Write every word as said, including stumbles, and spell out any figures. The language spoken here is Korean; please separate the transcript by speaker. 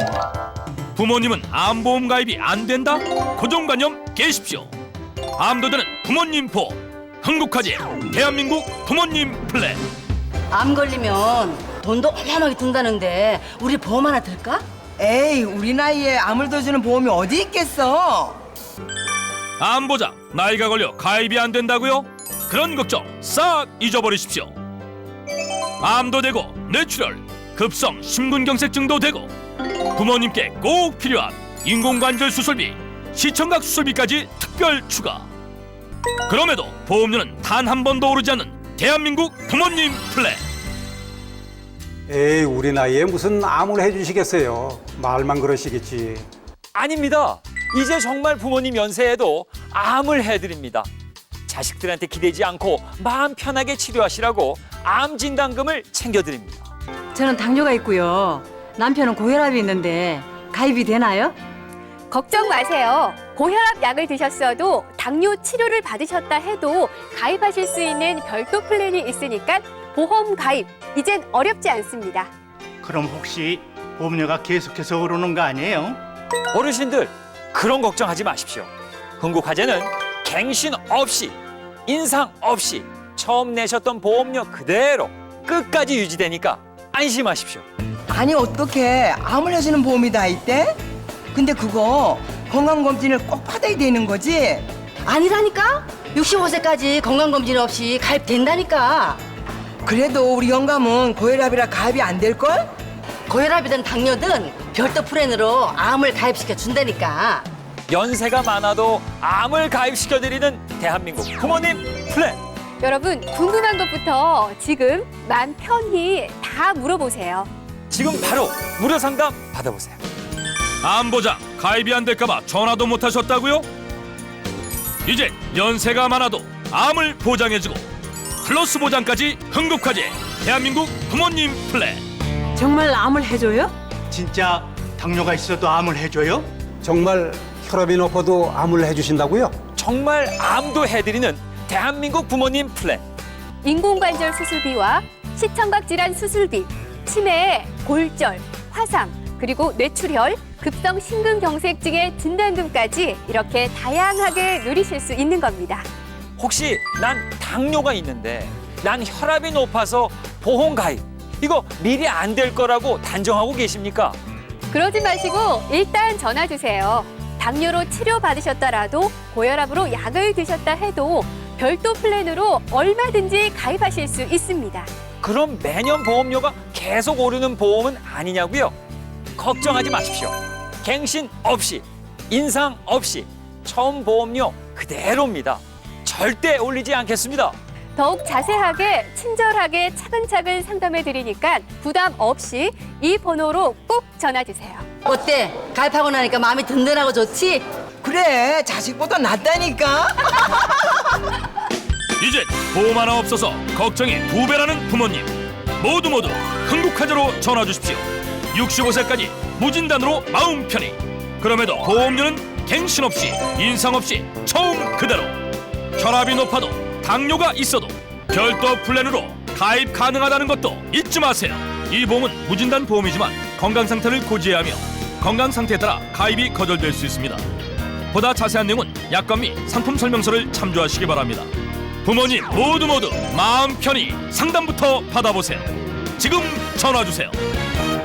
Speaker 1: 부모님은 암보험 가입이 안 된다? 고정관념 깨십시오. 암도 되는 부모님 보험. 흥국화재 대한민국 부모님 플랜.
Speaker 2: 암 걸리면 돈도 어마어마하게 든다는데 우리 보험 하나 들까?
Speaker 3: 에이, 우리 나이에 암을 더 주는 보험이 어디 있겠어?
Speaker 1: 암보장 나이가 걸려 가입이 안 된다고요? 그런 걱정 싹 잊어버리십시오. 암도 되고 뇌출혈, 급성 심근경색증도 되고 부모님께 꼭 필요한 인공관절 수술비, 시청각 수술비까지 특별 추가. 그럼에도 보험료는 단 한 번도 오르지 않는 대한민국 부모님 플랜.
Speaker 4: 에이, 우리 나이에 무슨 암을 해주시겠어요. 말만 그러시겠지.
Speaker 5: 아닙니다. 이제 정말 부모님 연세에도 암을 해드립니다. 자식들한테 기대지 않고 마음 편하게 치료하시라고 암 진단금을 챙겨드립니다.
Speaker 6: 저는 당뇨가 있고요. 남편은 고혈압이 있는데 가입이 되나요?
Speaker 7: 걱정 마세요. 고혈압 약을 드셨어도 당뇨 치료를 받으셨다 해도 가입하실 수 있는 별도 플랜이 있으니까 보험 가입, 이젠 어렵지 않습니다.
Speaker 8: 그럼 혹시 보험료가 계속해서 오르는 거 아니에요?
Speaker 5: 어르신들 그런 걱정하지 마십시오. 흥국화재는 갱신 없이, 인상 없이 처음 내셨던 보험료 그대로 끝까지 유지되니까 안심하십시오.
Speaker 3: 아니, 어떻게 암을 해주는 보험이 다 있대? 근데 그거 건강검진을 꼭 받아야 되는 거지?
Speaker 2: 아니라니까? 육십오 세까지 건강검진 없이 가입된다니까.
Speaker 3: 그래도 우리 영감은 고혈압이라 가입이 안 될걸?
Speaker 2: 고혈압이든 당뇨든 별도 플랜으로 암을 가입시켜 준다니까.
Speaker 5: 연세가 많아도 암을 가입시켜드리는 대한민국 부모님 플랜.
Speaker 7: 여러분, 궁금한 것부터 지금 맘 편히 다 물어보세요.
Speaker 5: 지금 바로 무료 상담 받아보세요.
Speaker 1: 암보장 가입이 안 될까봐 전화도 못 하셨다고요? 이제 연세가 많아도 암을 보장해주고 플러스 보장까지 흥국화재 대한민국 부모님 플랜.
Speaker 6: 정말 암을 해줘요?
Speaker 8: 진짜 당뇨가 있어도 암을 해줘요?
Speaker 4: 정말 혈압이 높아도 암을 해주신다고요?
Speaker 5: 정말 암도 해드리는 대한민국 부모님 플랜.
Speaker 7: 인공관절 수술비와 시청각 질환 수술비, 치매, 골절, 화상, 그리고 뇌출혈, 급성 심근경색증의 진단금까지 이렇게 다양하게 누리실 수 있는 겁니다.
Speaker 5: 혹시 난 당뇨가 있는데 난 혈압이 높아서 보험 가입 이거 미리 안 될 거라고 단정하고 계십니까?
Speaker 7: 그러지 마시고 일단 전화 주세요. 당뇨로 치료받으셨더라도 고혈압으로 약을 드셨다 해도 별도 플랜으로 얼마든지 가입하실 수 있습니다.
Speaker 5: 그럼 매년 보험료가 계속 오르는 보험은 아니냐고요? 걱정하지 마십시오. 갱신 없이, 인상 없이 처음 보험료 그대로입니다. 절대 올리지 않겠습니다.
Speaker 7: 더욱 자세하게 친절하게 차근차근 상담해 드리니까 부담 없이 이 번호로 꼭 전화 주세요.
Speaker 2: 어때? 가입하고 나니까 마음이 든든하고 좋지?
Speaker 3: 그래, 자식보다 낫다니까.
Speaker 1: 이젠 보험 하나 없어서 걱정이 두 배라는 부모님 모두 모두 흥국화재로 전화 주십시오. 육십오 세까지 무진단으로 마음 편히. 그럼에도 보험료는 갱신 없이, 인상 없이 처음 그대로. 혈압이 높아도 당뇨가 있어도 별도 플랜으로 가입 가능하다는 것도 잊지 마세요. 이 보험은 무진단 보험이지만 건강 상태를 고지해야 하며 건강 상태에 따라 가입이 거절될 수 있습니다. 보다 자세한 내용은 약관 및 상품 설명서를 참조하시기 바랍니다. 부모님 모두 모두 마음 편히 상담부터 받아보세요. 지금 전화 주세요.